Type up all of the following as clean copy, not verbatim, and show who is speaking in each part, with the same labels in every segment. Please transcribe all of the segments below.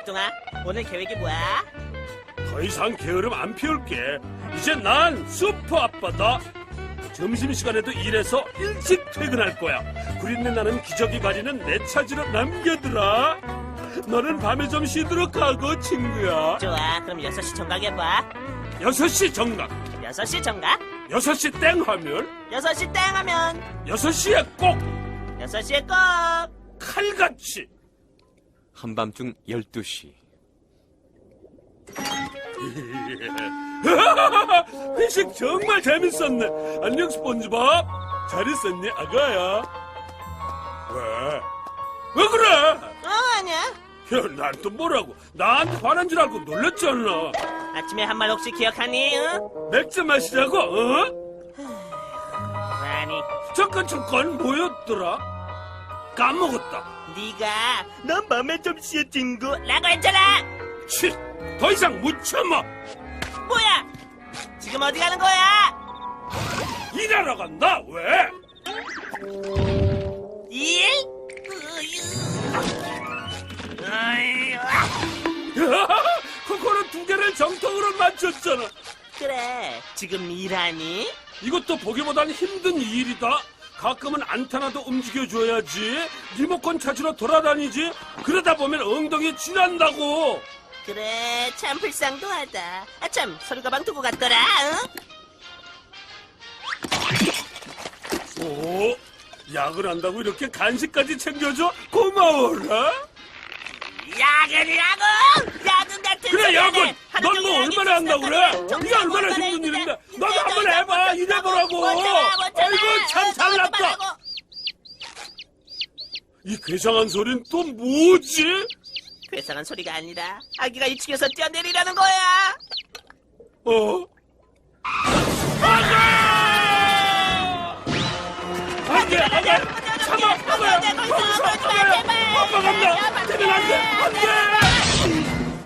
Speaker 1: 막둥아, 오늘 계획이 뭐야?
Speaker 2: 더 이상 게으름 안 피울게. 이제 난 슈퍼 아빠다. 점심시간에도 일해서 일찍 퇴근할 거야. 구린내 나는 기저귀 바리는 내 차지로 남겨두라. 너는 밤에 좀 쉬도록 하고, 친구야.
Speaker 1: 좋아, 그럼 6시 정각 해봐.
Speaker 2: 6시 정각.
Speaker 1: 6시 정각?
Speaker 2: 6시 땡 하면
Speaker 1: 6시 땡 하면
Speaker 2: 6시에 꼭
Speaker 1: 6시에 꼭!
Speaker 2: 칼같이.
Speaker 3: 한밤중 12시.
Speaker 2: 회식 정말 재밌었네. 안녕 스폰지밥. 잘 있었니 아가야? 왜 그래?
Speaker 1: 아니야.
Speaker 2: 야, 난 또 뭐라고? 나한테 화난 줄 알고 놀랬잖아.
Speaker 1: 아침에 한 말 혹시 기억하니? 응?
Speaker 2: 맥주 마시자고, 어?
Speaker 1: 아니,
Speaker 2: 잠깐 뭐였더라? 까먹었다.
Speaker 1: 네가 넌 맘에 좀 쉬어 친구 라고 했잖아.
Speaker 2: 치, 더 이상 못 참아.
Speaker 1: 뭐야? 지금 어디 가는 거야?
Speaker 2: 일하러 간다. 왜?
Speaker 1: 일? 어휴.
Speaker 2: 코코넛 2개를 정통으로 맞췄잖아.
Speaker 1: 그래, 지금 일하니?
Speaker 2: 이것도 보기보단 힘든 일이다. 가끔은 안타나도 움직여줘야지. 리모컨 찾으러 돌아다니지. 그러다 보면 엉덩이 쥐난다고.
Speaker 1: 그래, 참 불쌍도하다. 참, 서류 가방 두고 갔더라, 응?
Speaker 2: 오, 야근 한다고 이렇게 간식까지 챙겨줘? 고마워라.
Speaker 1: 야근이라고! 야근 같은
Speaker 2: 그래,
Speaker 1: 소리
Speaker 2: 야근!
Speaker 1: 하네. 하루
Speaker 2: 넌
Speaker 1: 종일
Speaker 2: 뭐
Speaker 1: 하기
Speaker 2: 얼마나 한다고 그래?
Speaker 1: 싫다고
Speaker 2: 네가 얼마나
Speaker 1: 정말
Speaker 2: 힘든
Speaker 1: 힘들어.
Speaker 2: 일인데. 너도
Speaker 1: 진짜
Speaker 2: 한번 해봐. 일해보라고. 아이고, 참 잘났다. 이 괴상한 소린 또 뭐지?
Speaker 1: 괴상한 소리가 아니라 아기가 2층에서 뛰어내리라는 거야.
Speaker 2: 어? 아가! 안 돼, 안 돼! 참아, 아빠야! 거기서 아빠야! 아빠 간다! 되면 안 돼! 안 돼!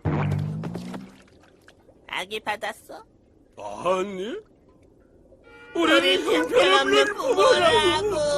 Speaker 1: 아기 받았어?
Speaker 2: 아니?
Speaker 1: 우리
Speaker 2: 우리 형편없는 부모라고!